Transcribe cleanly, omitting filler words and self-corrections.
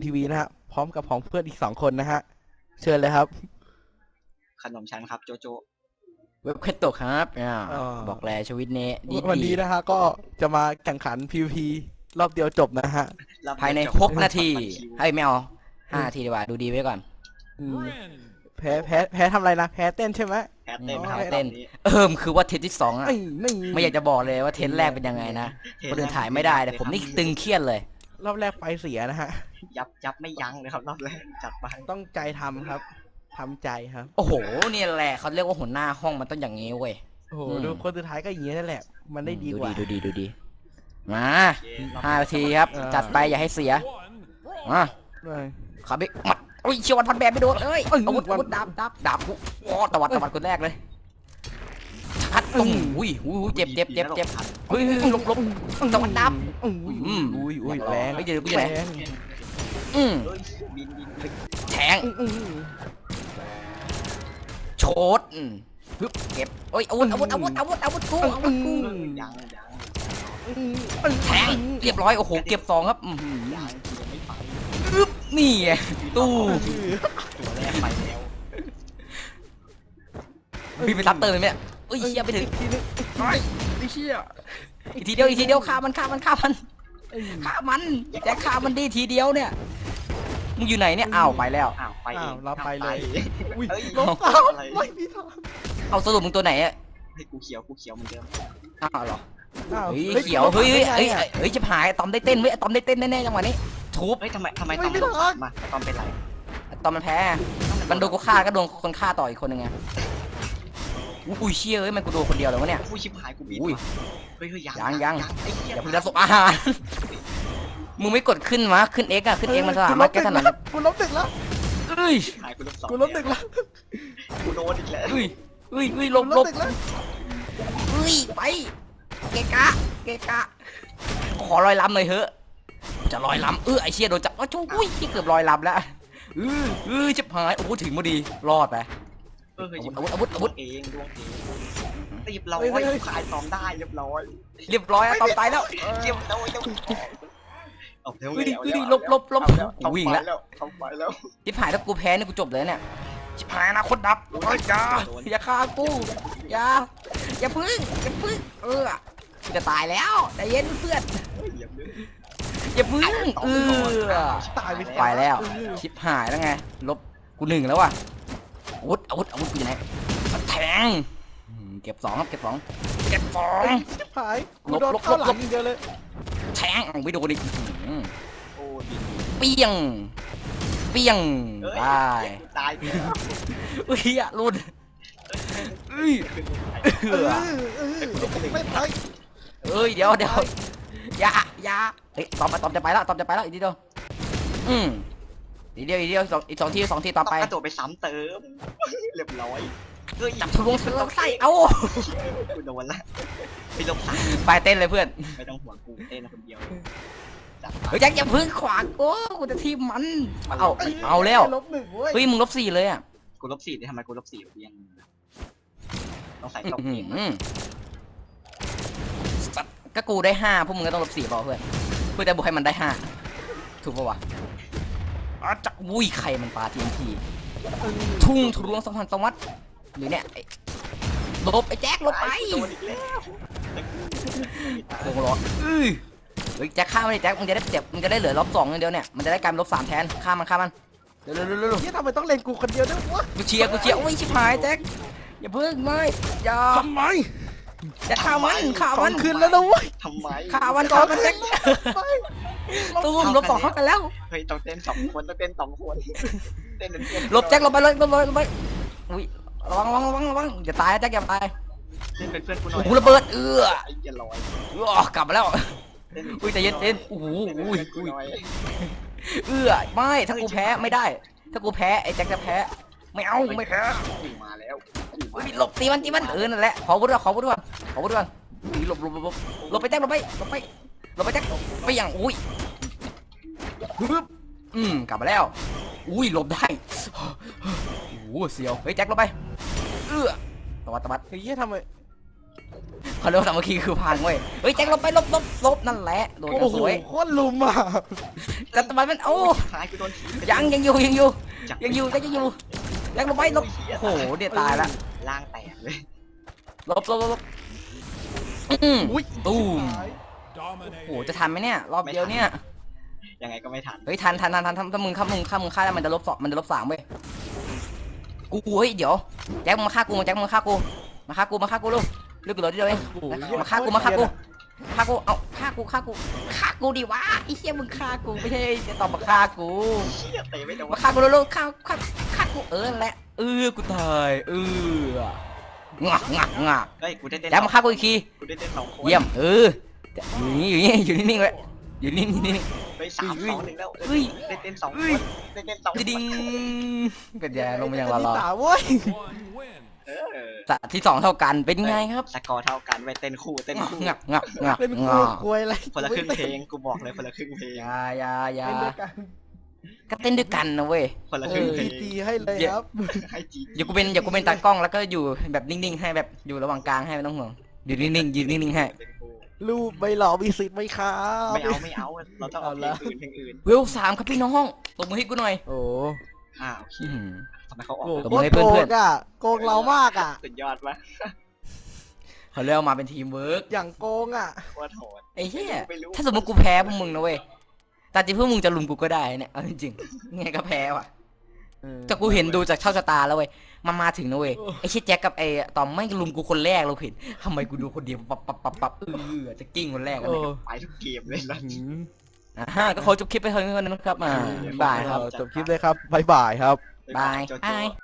ทีวีนะฮะพร้อมกับของเพื่อนอีก2 คนนะฮะเชิญเลยครับขนมชั้นครับโจโจเว็บเคตโตครับบอกแล้วชีวิตนี้ดีวันนี้นะฮะก็จะมาแข่งขัน PVP รอบเดียวจบนะฮะภายใน6 นาทีให้ไม่เอา5 นาทีดีกว่าดูดีไว้ก่อนแพ้ทำอะไรนะแพ้เต้นใช่ไหมแพ้เต้นครับเต้นคือว่าเทนที่2อ่ะไม่อยากจะบอกเลยว่าเทนแรกเป็นยังไงนะคนอื่นถ่ายไม่ได้แต่ผมนี่ตึงเครียดเลยรอบแรกไฟเสียนะฮะยับไม่ยั้งเลยครับรอบแรกจัดไปต้องใจทำครับทำใจครับโอ้โหนี่แหละเขาเรียกว่าหัวหน้าห้องมันต้องอย่างนี้เว้ยโอ้โหดูคนสุดท้ายก็อย่างนี้นั่นแหละมันได้ดีกว่าดูดีมา5 นาทีครับจัดไปอย่าให้เสียมาขับบิ๊กมัดโอ้ยเชียววันพันแบบไม่โดนเอ้ยอาวุธดาบกูโอ้ตวัดคนแรกเลยชัดอุ้ยเจ็บเฮ้ยลบตวัดดาบอุ้ยแรงไม่เจอกูอยู่ไหนแทงโชดเก็บโอ้ยอาวุธกูยังแทงเรียบร้อยโอ้โหเก็บ2ครับไม่ไปนี่ตู้ตัวแรกไปแล้วพี่ไปซับเติมไหมเอ้ยเชี่ยไปถึงไอ้เชี่ยอีกทีเดียวฆ่ามันแจ็คฆ่ามันดีทีเดียวเนี่ยมึงอยู่ไหนเนี่ยอ้าวไปแล้วไปเราไปเลยลบไม่มีทางเอาสรุปมึงตัวไหนอ่ะให้กูเขียวเหมือนเดิมอ้าวเหรอเฮ้ยเขียวเฮ้ยจะหายตอมได้เต้นเว้ยตอมได้เต้นแน่ๆจังหวะนี้ทุบเฮ้ยทำไมตอมลบมาตอมเป็นไรตอมมันแพ้มันโดนกูฆ่าก็โดนคนฆ่าต่ออีกคนนึงไงอุ้ยเชี่ยเอ้ยมันกูโดนคนเดียวเลยวะเนี่ยผู้ชิบหายกูบีบเฮ้ยยังอย่าเพิ่งจะสบอาหารมึงไม่กดขึ้นวะขึ้น X อะขึ้น X มันสามารถแก้ถนัดกูลบ1แล้วกูลบ1แล้วกูโดนอีกแล้วลบไปเกะขอลอยลำหน่อยเถอะจะลอยลำไอเชี่ยโดนจับชูอุ้ยเกือบลอยลำแล้วจะหายโอ้ถึงพอดีรอดไปอาวุธเองดวงเองเรียบร้อยขายตอมได้เรียบร้อยตอมตายแล้วเรียบร้อยลบวิ่งแล้วเข้าไปแล้วชิบหายถ้ากูแพ้นี่กูจบเลยเนี่ยชิบหายนะคนดับอย่าฆ่ากูอย่าพึ่งจะตายแล้วใจเย็นเพื่อนอย่าพึ่งตายไปแล้วชิบหายแล้วไงลบกู1แล้วว่ะอาวุธกูอยู่ไหนแทงเก็บ2ครับเก็บ2 ชิบหายกูโดนเข้าหลังอย่างเดียวเลยแทงไม่โดนดิโอ้เปี้ยงตายอุ้ยอะรุนไม่ตายเดี๋ยวอย่าเฮ้ยตอมจะไปแล้วอีกทีเดียวอีก2 ทีต่อไปตัวไปซ้ำเติมเรียบร้อยจับทะลวงไส้เอากูโดนละไปลบไปเต้นเลยเพื่อนไม่ต้องห่วงกูเต้นคนเดียวอย่าพึ่งขวางกูจะทีมมันเอาแล้วเฮ้ยมึงลบ4เลยอ่ะกูลบ4ได้ทำไมกูลบ4ยังต้องใส่ตบก็กูได้5พวกมึงก็ต้องลบ4เปล่าเพื่อจะบวกให้มันได้5ถูกป่าวะจักวุ้ยใครมันปาTNTทุ่งทะลวง2,000 ตวัดหรือเนี่ยลบไอ้แจ็คลบไปโค้งล้อแจ็คฆ่ามันแจ็คมึงจะได้เจ็บมึงจะได้เหลือลบ2อย่างเดียวเนี่ยมันจะได้กลายเป็นลบ3แทนฆ่ามันเร็วนี่ทำไมต้องเล่นกูคนเดียวด้วยวะกูเชียร์โอ้ยชิบหายแจ็คอย่าพึ่งไม่อย่าทำไมจะฆ่ามันคืนแล้วนะเว้ยทำไมฆ่ามันแจ็คตู้มลบ2เข้ากันแล้วเฮ้ยต้องเต้น2 คนเต้นลบแจ็คลบไปเลยอุ้ยระวังอย่าตายแจ็คอย่าตายเป็นเพื่อนกูหน่อยหูระเบิดอย่าลอยกลับมาแล้วอุ้ยใจเย็นโอ้โหไม่ถ้ากูแพ้ไม่ได้ถ้ากูแพ้ไอ้แจ็คจะแพ้ไม่แพ้มาแล้วหลบตีมันนั่นแหละขอพูดก่อนหลบไปแจ็คลบไปแจ็คไปอย่างอุ้ยกลับมาแล้วอุ้ยหลบได้โอ้เสียวเฮ้ยแจ็คลบไปตวัดเฮ้ยทำไมเขาเรียกว่าสามัคคีคือพังเว้ยเฮ้ยแจ็คลบไปลบนั่นแหละโดนโอ้โหสวยโคตรลุมอ่ะแต่ทำไมมันโอ้ท้ายกูโดนถีบยังอยู่แจ็คยังอยู่แจ็คลบไปลบโอ้โหเดี๋ยวตายละล่างแตกเลยลบอุ้ยตูมโอ้โหจะทันไหมเนี่ยรอบเดียวเนี่ยยังไงก็ไม่ทันเฮ้ยทันถ้ามึงฆ่าได้มันจะลบ2มันจะลบ3เว้ยกูเฮ้ยเดี๋ยวแจ็คมึงมาฆ่ากูมาฆ่ากูลูกเลือกกูเลยเดียวเองมาฆ่ากูเอาฆ่ากูดิวะไอ้เหี้ยมึงฆ่ากูไม่ใช่จะตอบมาฆ่ากูเชี่ยเตะไม่โดนมาฆ่ากูลูกฆ่ากูแหละกูตายงะเฮ้ยกูได้เต้นแจ็คมาฆ่ากูอีกทีกูได้เต้น2 คนเยี่ยมอยู่นิ่งๆไว้อยู่นิ่งไป3-2-1แล้วเฮ้ยได้เต้น2 คนได้เต้น2 คนดิ้งเป็นยังลงมาอย่างที่รอสามเว้ยสัตว์ที่2เท่ากันเป็นไงครับสกอร์เท่ากันไปเต้นคู่งักเป็นควยอะไรคนละครึ่งเพลงกูบอกเลยคนละครึ่งเพลงอย่าเป็นด้วยกันก็เต้นด้วยกันนะเว้ยคนละครึ่งเพลงจีให้เลยครับให้จีอย่ากูเป็นตากล้องแล้วก็อยู่แบบนิ่งๆให้แบบอยู่ระหว่างกลางให้ไม่ต้องห่วงอยู่นิ่งๆยืนนิ่งๆให้รูปไม่หล่อมีสิทธิ์ไหมครับไม่เอาเราต้องเอาเพลงอื่นเวล3ครับพี่น้องตบมือให้กูหน่อยโอ้โอเคทำไมเขาออกโหตบโคมือตให้รเพื่โกอนงอ่ะโกงเรามากอ่ะสุดยอดปะเขาเรียกมาเป็นทีมเวิร์กอย่างโกงอ่ะว่าโหดไอ้เหี้ยถ้าสมมติกูแพ้พวกมึงนะเว้ยแต่จริงพวกมึงจะลุมกูก็ได้เนี่ยเอาจริงๆไงก็แพ้ว่ะแต่กูเห็นดูจากเช่าชะตาแล้วเว้ยมันมาถึงนะเว้ยไอ้ชิดแจ็คกับไอ้ตอมไม่ลุมกูคนแรกเราเห็นทำไมกูดูคนเดียวปับจะกิ้งคนแรกกันเลยไปทุกเกมเลยนะก็ขอจบคลิปไปเท่านี้ก่อนนะครับบายครับจบคลิปเลยครับบ๊ายบายครับบาย